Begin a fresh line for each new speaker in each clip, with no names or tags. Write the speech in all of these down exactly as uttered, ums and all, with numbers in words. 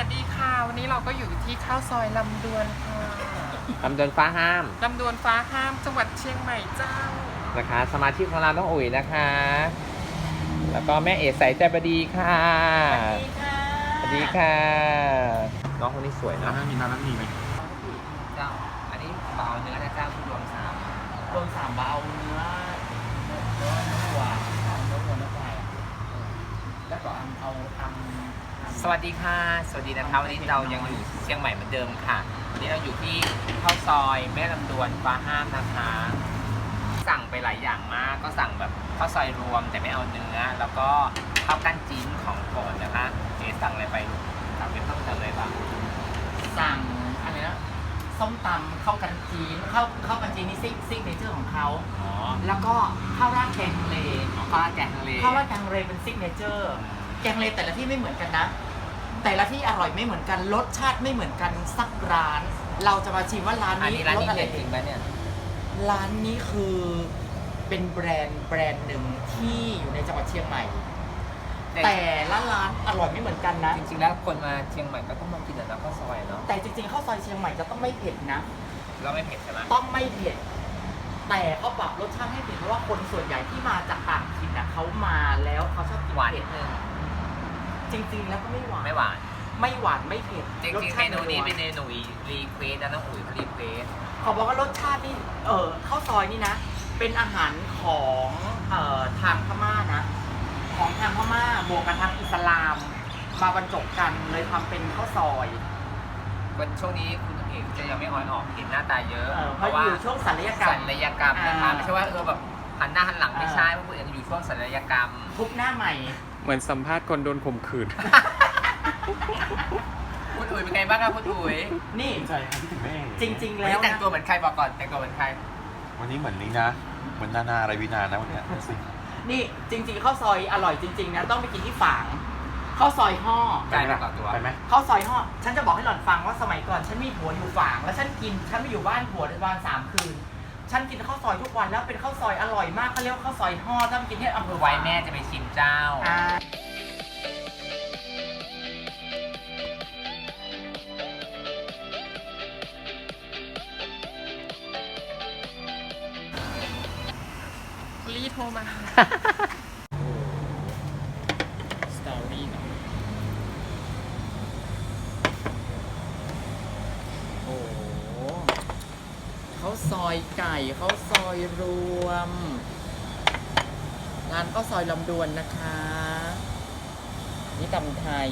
วัสดีค่ะวันนี้เราก็อยู่ที่ข้าวซอยลำดวนค่ะ
ลำดวนฟ้าห้าม
ลำดวนฟ้าห้ามจังหวัดเชียงใหม่เจ้า
นะคะสมาชิกของเราต้องอุ๋ยนะคะแล้วก็แม่เอ๋ใสใจบดีค่ะ
สวัสดีค่ะ
สวัสดีค่ะน้องคนนี้สวยนะ
มีน้ำน้ำมีไหม
เจ้าอันนี้เบาเนื้อนะเจ้าคือรวมสาม
รวมสามเบาเนื้อเนื้อเนื้อวัวเนื้อวัวเนื้อควายแล้วก็เอาทำ
สวัสดีค่ะสวัสดีนะคะวันนี้เรายังอยู่เชียงใหม่เหมือนเดิมค่ะวันนี้เราอยู่ที่ข้าวซอยแม่ลำดวนฟ้าห้ามนะคะสั่งไปหลายอย่างมากก็สั่งแบบข้าวซอยรวมแต่ไม่เอาเนื้อแล้วก็ข้าวกั้นจิ้นของโปรดนะคะเจ๊สั่งอะไรไปลูกสั่งเป็นต้มยำอะไรบ้าง
สั่งอะไรนะส้มตำข้าวกันจีนข้าวข้าวกันจีนนี่ซิกซิกเนเจอร์ของเขา
อ๋อ
แล้วก็ข้าวราดแกงทะเล
ข้าวราดแกงทะเล
ข้าวราดแกงทะเลเป็นซิกเนเจอร์แกงทะเลแต่ละที่ไม่เหมือนกันนะแต่ละที่อร่อยไม่เหมือนกันรสชาติไม่เหมือนกันสักร้านเราจะมาชิมว่าร้านนี้
รส
อะไร
จริงไหมเนี่ย
ร้านนี้คือเป็นแบรนด์แบรนด์หนึ่งที่อยู่ในจังหวัดเชียงใหม่แต่ละร้านอร่อยไม่เหมือนกันนะ
จริงๆแล้วคนมาเชียงใหม่ก็ต้องมากินแต่น้ำข้าวซอยเนาะ
แต่จริงๆข้าวซอยเชียงใหม่จะต้องไม่เผ็ดนะ
เราไม่เผ็ดใช่ไหม
ต้องไม่เผ็ดแต่เขาปรับรสชาติให้เผ็ดเพราะว่าคนส่วนใหญ่ที่มาจากต่างถิ่นนะเขามาแล้วเขาชอบกิน
หวาน
เผ็
นิดนึง
จริงๆแล้วก็ไม่หวาน
ไม่หวาน
ไม่หวานไม่เผ็ด
จริงๆเมนูนี้เป็นเมนูรีเควสนะน้องอุ๋ยเขารีเควส
เขาบอกว่ารสชาตินี่เออข้าวซอยนี่นะเป็นอาหารของเอ่อทางพม่านะของทางพม่าบวกกับทางอิสลามมาบรรจบกันเลยทำเป็นข้าวซอย
วันช่วงนี้คุณเอกจะยังไม่ออนออกเห็นหน้าตาเยอะ
เพราะว่าอยู่ช่วงศัลยกรรม
ศัลยกรรมนะคะไม่ใช่ว่าเออแบบหันหน้าหันหลังไม่ใช่เพราะคุณเอกอยู่ช่วงศัลยกรรม
ทุบหน้าใหม่
เหมือนสัมภาษณ์คนโดนข่มขืน
คุณอุ๋ยเป็นไงบ้างครับคุณอุ๋ย
นี่
ใจครับพี่ถึงแม่
จริงๆแล้ว
แต่งตัวเหมือนใครบอกก่อนแต่งตัวเหมือนใคร
วันนี้เหมือนนี้นะเหมือนนานาอะไรวินานะวันนี้
นี่จริงๆข้าวซอยอร่อยจริงๆนะต้องไปกินที่ฝางข้าวซอยห่อ
ไปไหมต่อตัว
ไปไหม
ข้าวซอยห่อฉันจะบอกให้หล่อนฟังว่าสมัยก่อนฉันมีผัวอยู่ฝางแล้วฉันกินฉันไม่อยู่บ้านผัวในวันสามคืนฉันกินข้าวซอยทุกวันแล้วเป็นข้าวซอยอร่อยมากเขาเรียกว่าข้าวซอยห่อต้องกินที่อำเภอ
ไว้แม่จะไปชิมเจ้า
รีโทรมาสตอรี่เนาะโอ้เขาซอยไก่เขาซอยรวมร้านข้าวซอยลำดวนนะคะนี่ตำไทย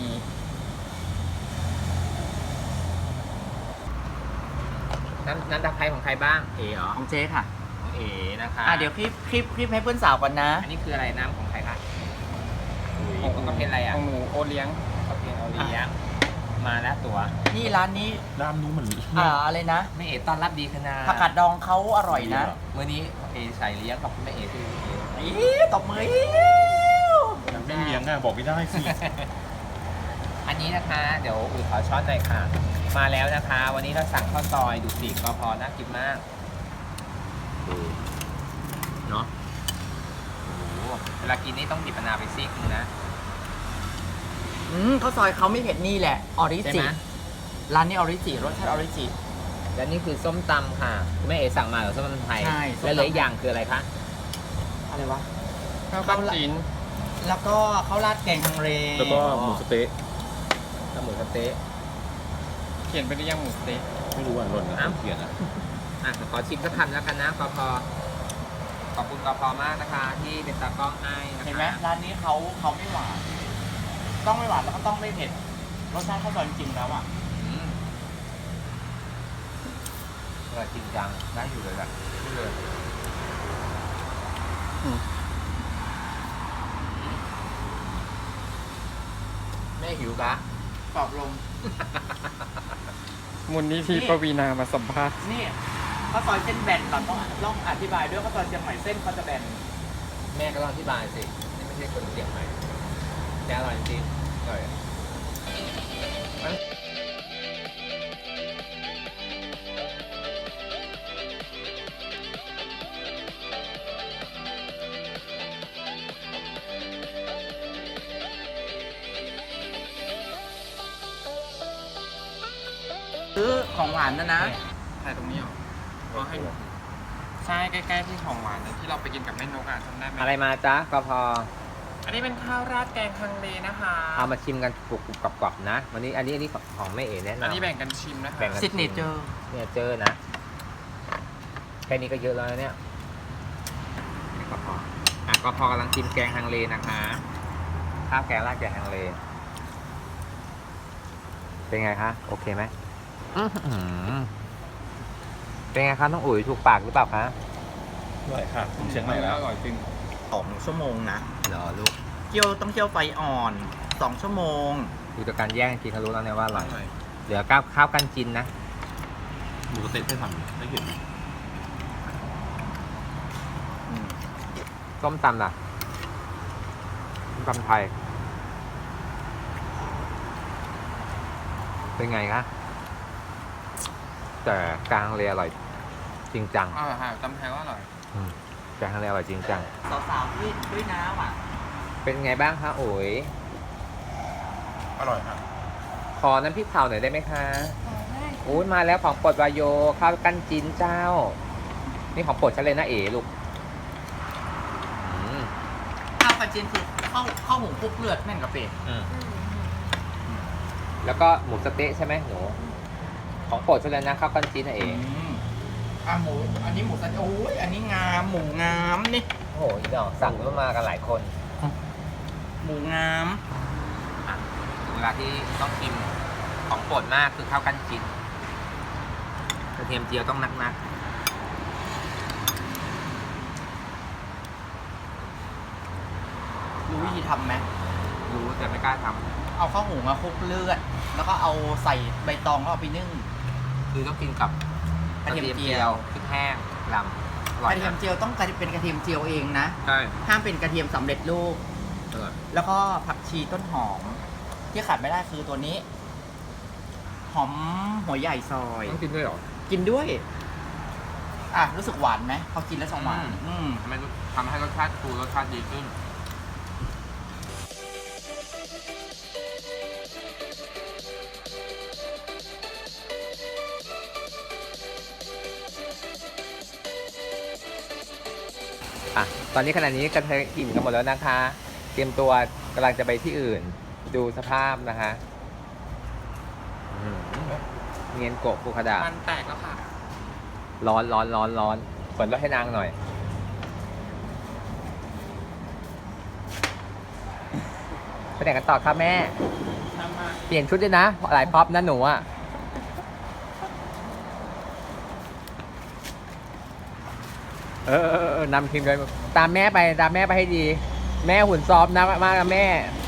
น้ำน้ำตาไคร้ของใครบ้างเอ๋เหรอ
ของเจ๊ค่ะ
เอ๋นะคะ
อ่ะเดี๋ยวคลิปคลิปคลิปให้เพื่อนสาวก่อนนะ
อันนี้คืออะไรน้ำของใครคะของก็เป็นอะไรอ่ะ
ของหนูโอเลี้ยง
ก็เป็นโอเลี้ยงมาแล้วตัว
นี่ร้านนี้
ร้านนู้นเหมือน
อ่าอะไรนะ
แม่เอ๋ต้อนรับดีขนาด
ผักกาดดองเขาอร่อยนะ
เมื่อนี้เอ๋ใส่เลี้ยงขอบคุณแม่เอ๋ที่
อีตบมือ
ยังไม่เลี้ยงอ่ะบอกไม่ได้สิ
อันนี้นะคะเดี๋ยวอุ๋ยขอช้อนหน่อยค่ะมาแล้วนะคะวันนี้เราสั่งข้าวซอยดูสิก็พอน่ากินมากเนาะเวลากินนี่ต้องดิบมะนาวไปซิกนึงนะ
อืมข้าวซอยเขาไม่เผ็ดนี่แหละออริจิร้านนี้ออริจิรสชาติออริจิ
และนี่คือส้มตำค่ะแม่เอ๋สั่งมาหรือส้มตำไทย
ใช่
และเหลืออีกอย่างคืออะไรคะ
อะไรวะ
ข้าวกั้นจีน
แล้วก็ข้าวราดแกงฮังเล
แล้วก็หมูสเต๊ะ
แล้วหมูสเต๊ะ
เขียนไปได้ยังหมูสเต๊ะ
ไม่รู้อ่ะหล่นนะเขียนอ่ะ
อ่ะขอชิมสักคำแล้วกันนะกพขอบคุณกพมากนะคะที่เป็นตากล้องให้นะคะ
เห็นไหมร้านนี้เขาเขาไม่หวานต้องไม่หวานแล้วก็ต้องไม่เผ็ดรสชาติข้าวซอยจริงๆแล้วอ่ะ
อร่อยจริงจังได้อยู่เลยแบบนี่เลยแม่หิวกะ
กรอบลง
มูลนิธิปวีนามาสัมภาษณ์
นี่ข้าวซอยเส้นแบนเราต้องต้องอธิบายด้วยข้าวซอยเชียงใหม่เส้นเขาจะแบน
แม่ก็ต้องอธิบายสินี่ไม่ใช่คนเชียงใหม่แต่อร่อยจริงอร่อย
ซื้อของหวานนะนะ
ถ่ายตรงนี้เหรอก็ให้ใช่ใกล้ๆที่ของหวานนะที่เราไปกินกับแม่นกอ่ะจำได้ไหม
อะไรมาจ๊ะก็พอ
อันนี้เป็นข้าวราดแกงฮังเลนะคะ
เอามาชิมกันกรุบกรอบๆนะ วันนี้อันนี้อันนี้ของแม่เอ๋แนะนำ
อันนี้แบ่งกันชิมนะคะ
แบ่งกัน
ซิกเนเจอร์
เนี่ยเจอนะแค่นี้ก็เยอะแล้วนะเนี่ยก็พออ่ะก็พอกำลังชิมแกงฮังเลนะคะข้าวแกงราดแกงฮังเลเป็นไงคะโอเคไหมอื้อหือเป็นไงคะน้องอุ๋ยถูกปากหรือเปล่าคะ
อร่อยค่ะผมเชียงใหม่แล้ว
อร่อยจริง
สองชั่วโมงนะ
เหรอลูก
เคี่ยวต้องเคี่ยวไฟอ่อนสองชั่วโมง
ดูจากการแย่งกินเขารู้แล้วเนี่ยว่าอ
อ
ร่อย
ร่อย
เหลือข้าวข้าวกันจินนะ
หมูสะเต๊ะให้ทำให้เห็น
ส้มตำล่ะส้มตำไทย เป็นไงคะแต่กลางเลยอร่อยจริงจัง
อร่อยค่ะตำไทยก็อร่อย
อืมกลางเลยอร่อยจริงจัง
สาวๆด้วยด้วยน้ำอ่ะ
เป็นไงบ้างคะโอ๋ย
อร่อยค่ะ
ขอน้ำพริกเผาหน่อยได้ไหมคะโอ้ยมาแล้วของโปรดวายโยข้าวกันจินเจ้า นี่ของโปรดฉันเลยนะเอ๋ลูกอืม
ข้าวกระเจียนคือข้าวข้าวหมูคลุกเลือดแม่นกะเป็ด
อืมแล้วก็หมูสะเต๊ะใช่ไหมหนู ของโปรดฉันเลยนะข้าวกันจินนะเอ๋
อ่ะหมูอันนี้หมูสันโอ้ยอันนี้งามหมูงามนี่
โอ้โหอีดอกสั่งมากันหลายคน
หมูงาม
อ่ะถึงเวลาที่ต้องชิมของโปรดมากคือข้าวกันจินกระเทียมเจียวต้องนักนัก
รู้วิธีทำไหม
ๆรู้แต่ไม่กล้าท
เอาข้าวหมูมาคลุกเลือด แล้วก็เอาใส่ใบตองแล้วเอาไปนึ่ง
ำคือต้องกินกับ
กระเทียมเจียว
พริกแห้งลำอก ร่อย
ระเทียม
นะ
เจียวต้องเป็นกระเทียมเจียวเองนะ
ใช่
ห้ามเป็นกระเทียมสำเร็จรูป
อร่อย
แล้วก็ผักชีต้นหอม ที่ขาดไม่ได้คือตัวนี้ หอมหัวใหญ่ซอย
ต้องกินด้วยเหรอ
กินด้วย อ่ะ รู้สึกหวานไหมพอกินแล้วจะหวาน
อืม
อืม
ทำให้ทำให้รสชาติฟูรสชาติดีขึ้น อ่ะ ตอนนี้ขณะนี้กระเทยอิ่มกันหมดแล้วนะคะ เตรียมตัวกำลังจะไปที่อื่น ดูสภาพนะคะอืมเงียนโกะฟูคาดะ
มันแตกแล้วค่ะ
ร้อนร้อนร้อนร้อนเปิดรถให้นางหน่อย ไปไหนกันต่อครับแม่ เปลี่ยนชุดด้วยนะ หลายพ็อปนะหนูอ่ะ เออเออเออนำทีมเลยตามแม่ไป ตามแม่ไปให้ดี แม่หุ่นซ้อมนะมากกับแม่